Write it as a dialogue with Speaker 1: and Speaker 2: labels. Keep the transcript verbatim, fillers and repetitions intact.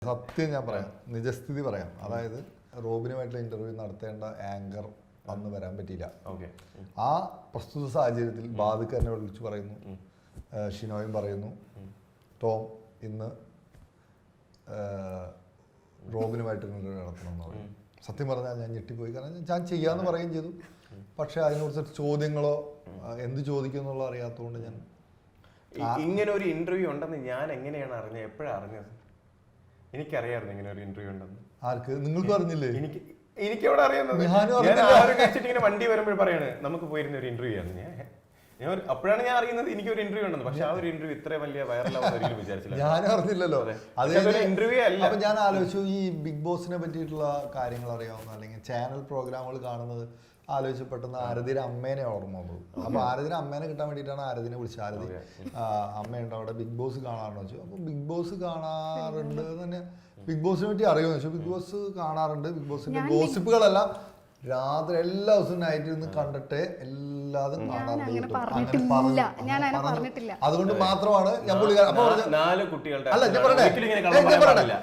Speaker 1: സത്യം ഞാൻ പറയാം, നിജസ്ഥിതി പറയാം. അതായത് റോബിനുമായിട്ടുള്ള ഇന്റർവ്യൂ നടത്തേണ്ട ആങ്കർ അന്ന് വരാൻ പറ്റിയില്ല. ആ പ്രസ്തുത സാഹചര്യത്തിൽ ബാദുക്ക് എന്നെ വിളിച്ചു പറയുന്നു, ഷിനോയും പറയുന്നു, ടോം ഇന്ന് റോബിനുമായിട്ട് ഇന്റർവ്യൂ നടത്തണം എന്ന് പറയും. സത്യം പറഞ്ഞാൽ ഞാൻ ഞെട്ടിപ്പോയി. കാരണം ഞാൻ ചെയ്യാന്ന് പറയുകയും ചെയ്തു. പക്ഷെ അതിനെക്കുറിച്ച് ചോദ്യങ്ങളോ എന്ത് ചോദിക്കും എന്നുള്ളത് അറിയാത്തതുകൊണ്ട് ഞാൻ
Speaker 2: ഇങ്ങനെ ഒരു ഇന്റർവ്യൂ ഉണ്ടെന്ന് ഞാൻ എങ്ങനെയാണ് അറിഞ്ഞത്? എപ്പോഴാണ് അറിഞ്ഞത്? എനിക്കറിയായിരുന്നു ഇങ്ങനെ ഒരു ഇന്റർവ്യൂ ഉണ്ടെന്ന്.
Speaker 1: ആർക്ക്? നിങ്ങൾക്ക് അറിഞ്ഞില്ലേ?
Speaker 2: എനിക്ക് എനിക്ക് എവിടെ അറിയാവുന്നത്? ഞാൻ ആരും കഴിച്ചിട്ട് ഇങ്ങനെ വണ്ടി വരുമ്പോൾ പറയാണ് നമുക്ക് പോയിരുന്ന ഒരു ഇന്റർവ്യൂ ആണ്. ഞാൻ ഞാൻ അപ്പോഴാണ് ഞാൻ അറിയുന്നത് എനിക്ക് ഒരു ഇന്റർവ്യൂ ഉണ്ടെന്ന്. പക്ഷെ ആ ഒരു ഇന്റർവ്യൂ ഇത്ര വലിയ വൈറലാവുന്ന ഒരിക്കലും വിചാരിച്ചില്ല.
Speaker 1: ഞാനും അറിഞ്ഞില്ലല്ലോ.
Speaker 2: ഇന്റർവ്യൂ അല്ല.
Speaker 1: അപ്പൊ ഞാൻ ആലോചിച്ചു, ഈ ബിഗ് ബോസിനെ പറ്റിയിട്ടുള്ള കാര്യങ്ങൾ അറിയാവുന്ന അല്ലെങ്കിൽ ചാനൽ പ്രോഗ്രാമുകൾ കാണുന്നത് ആലോചിച്ച് പെട്ടെന്ന് ആരതിയുടെ അമ്മേനെ ഓർമ്മ വന്നത്. അപ്പൊ ആരതിയുടെ അമ്മേനെ കിട്ടാൻ വേണ്ടിയിട്ടാണ് ആരതിനെ വിളിച്ചത്. ആരതി അമ്മയുണ്ട് അവിടെ, ബിഗ് ബോസ് കാണാറുണ്ടോ വെച്ചു. അപ്പൊ ബിഗ് ബോസ് കാണാറുണ്ട് തന്നെ. ബിഗ് ബോസിനെ പറ്റി അറിയുമെന്ന് വെച്ചു. ബിഗ് ബോസ് കാണാറുണ്ട്. ബിഗ് ബോസിന്റെ ഗോസിപ്പുകളെല്ലാം രാത്രി എല്ലാ ദിവസവും നൈറ്റ് ഇരുന്ന് കണ്ടിട്ട് എല്ലാതും കാണാറുണ്ട്. അതുകൊണ്ട് മാത്രമാണ് ഞാൻ പുള്ളിക്കാരൻ അപ്പൊ
Speaker 2: നാല് കുട്ടികളുടെ
Speaker 1: അല്ല ഞാൻ പറയട്ടെ